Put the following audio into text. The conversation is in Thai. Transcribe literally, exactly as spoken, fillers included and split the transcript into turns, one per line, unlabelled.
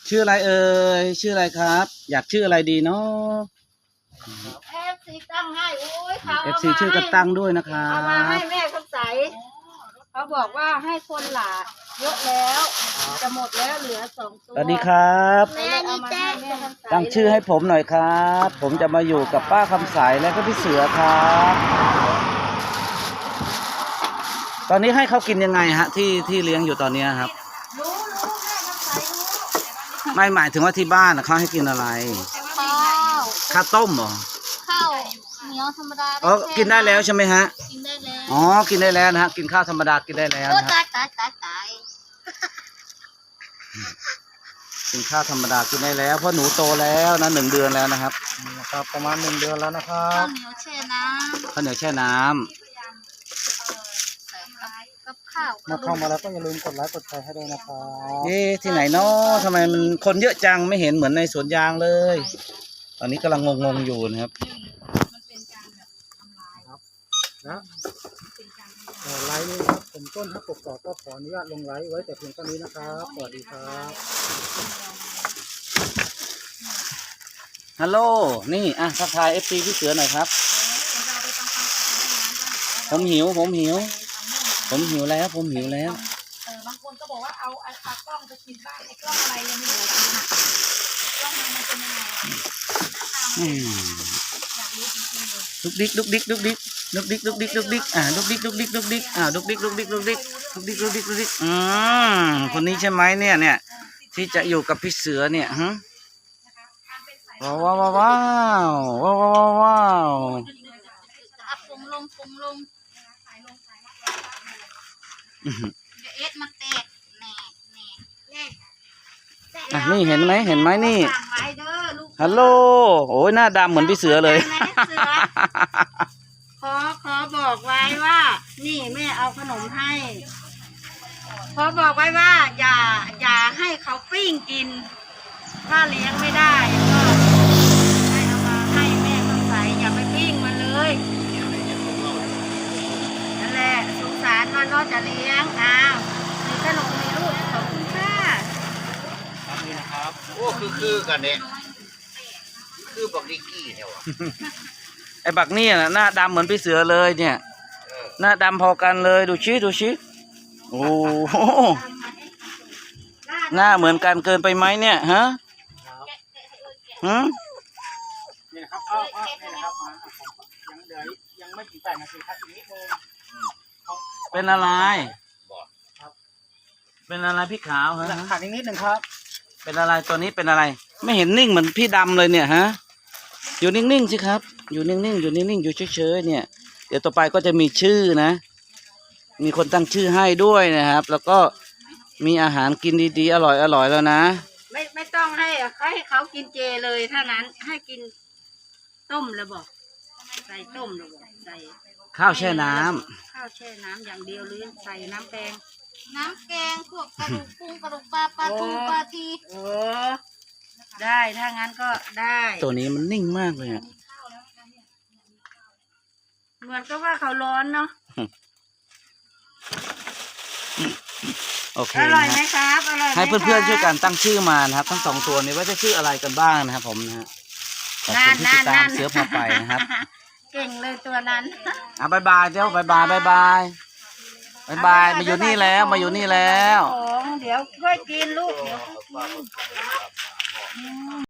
ชื่ออะไรเอ่ยชื่ออะไรครับ อยากชื่ออะไรดีเนาะ
เอฟซีตั้งให้โอ้ยเขา
เอฟซีชื่อก็ตั้งด้วยนะครั
เอามาให้
บ
แม่คำใสเขาบอกว่าให้คนหลาเยอะแล้วจะหมดแล้วเหลือสองตัว
สวัสดีครับ
แม่นี่แจ้งแม่คำใส
ตั้งชื่อให้ผมหน่อยครับ ผมจะมาอยู่กับป้าคำใสและก็พี่เสือครับตอนนี้ให้เขากินยังไงฮะที่ที่เลี้ยงอยู่ตอนนี้ครับ
รู้รู้แม่คำใสรู้
ไม่หมายถึงว่าที่บ้านนะเขาให้กินอะไร
ข้าว
ข้าวต้มเหรอ
ข้าวเหนียวธรรมดา
อ๋อกินได้แล้วใช่ไหมฮะ
กินได้แล้ว
อ๋อกินได้แล้วนะฮะกินข้าวธรรมดากินได้แล้ว
โอ้
นะ
ตา
ฮะ
ยตายตายตาย
กินข้าวธรรมดากินได้แล้วเพราะหนูโตแล้วนะหนึ่งเดือนแล้วนะครับนะครับประมาณหนึ่งเดือนแล้วนะครั
ข้าว
บ
เหนียวแช่น้ำ
ข้าวเหนียวแช่น้ำ
ใส่กับกับข้าว
เมื่อเข้ามาแล้วก็อย่าลืมกดไลค์กดแชร์ให้ด้วยนะครับ
เอ๊ะที่ไหนเนาะทำไมมันคนเยอะจังไม่เห็นเหมือนในสวนยางเลย ตอนนี้กำลังงงๆอยู่นะครับ
นะเอ่อไลฟ์นี้ครับผมต้นฮักกกอกก็ขออนุญาตลงไลฟ์ไว้แต่เพียงเท่านี้นะครับสวัสดีครับ
ฮัลโหลนี่อ่ะทักทายเอฟซีพี่เสือหน่อยครับผมหิวผมหิวผมหิวแล้วผมหิวแล้ว
เออบางคนก็บอกว่าเอาเอาเอากล้องไปกินบ้างไอ้กล้องอะไรยังไม่เหลือกินอ่ะกล้องมันเป็นยังไง
อืมลุกดิกลุกดิกลุกดิกลุกดิกลุกดิกลุกดิกอ่าลุกดิกลุกดิกลุกดิกอ่าลุกดิกลุกดิกลุกดิกลุกดิกลุกดิกลุกดิกอืมคนนี้ใช่ไหมเนี่ยเนี่ยที่จะอยู่กับพี่เสือเนี่ยฮะว้าวว้าวว้าวว้าวว้าวว้าว
อัพปงลงปงลงเดี๋ยวเอสมาแตกแน่แน่แน่
อ่ะนี่เห็นไหมเห็นไหมนี่
สั่งไว้เด้อลูก
ฮัลโหลโอ้ยหน้าดำเหมือนพี่เสือเลย
ขอขอบอกไว้ว่า นี่แม่เอาขนมให้ขอบอกไว้ว่า อย่าอย่าให้เขาปิ้งกิน ถ้าเลี้ยงไม่ได้ก็ให้เอามาให้แม่ต้องใส่อย่าไปปิ้งมันเลยนั่นแหละสงสารมันก็จะเลี้ยงอ้าวมีขนมมีลูกขอบคุณค่ะ
โอ้คือคือกันเนี่ยคือบอกดิกกี้เนี่ยวะ
ไอ้บักนี่น่ะหน้าดำเหมือนพี่เสือเลยเนี่ย
เออ
หน้าดำพอกันเลยดูชิดูชิโอ้โหหน้าเหมือนกันเกินไปไหมเนี่ยฮะฮะ
นี่นะครับเอาเอานี่นะครับมาผมยังเหลือยังไม่ถึงแปดนาทีครับอีกนิดนึง
เป็นอะไร
บอก
เป็นอะไรพี่ขาวฮะ
ขาดอีกนิดหนึ่งครับ
เป็นอะไรตัวนี้เป็นอะไร ไม่เห็นนิ่งเหมือนพี่ดำเลยเนี่ยฮะอยู่นิ่งๆสิครับ อยู่นิ่งๆอยู่นิ่งๆอยู่เฉยๆเนี่ยเดี๋ยวต่อไปก็จะมีชื่อนะ มีคนตั้งชื่อให้ด้วยนะครับ แล้วก็มีอาหารกินดีๆอร่อยอร่อยแล้วนะ
ไม่ไม่ต้องให้ให้เขากินเจเลยถ้านั้นให้กินต้มแล้วบอกใส่ต้มแล้วบอกใส่
ข้าวแช่น้ำ
ข้าวแช่น้ำอย่างเดียวหรือใส่น้ำแกงน้ำแกงพวกกระดูกกุ้งกระดูกปลาปลาทูปลาทีโอ้ได้ถ้างั้นก็ได้
ตัวนี้มันนิ่งมากเลยอ่ะ
เหมือนกับว่าเขาร้อนเนาะ
โอเค
อร่อย
นะ
ไหม
ฮะ
ครับอร่อยไหม
ให้เพื่อนๆช่วยกัน
ครับ
ตั้งชื่อมานะครับทั้งสองตัวนี้ว่าจะชื่ออะไรกันบ้างนะครับผมนะฮะขอบ
นั่
คุณ
น
ที่ติดตาม
นั่น
เสือพาไปนะครับ
เก่งเลยตัวนั้น
อ่ะบายบายเจ้าบายบายบายบายบายบายมาอยู่นี่แล้วมาอยู่นี่แล้ว
ของเดี๋ยวค่อยกินลูกเดี๋ยวค่อยกิน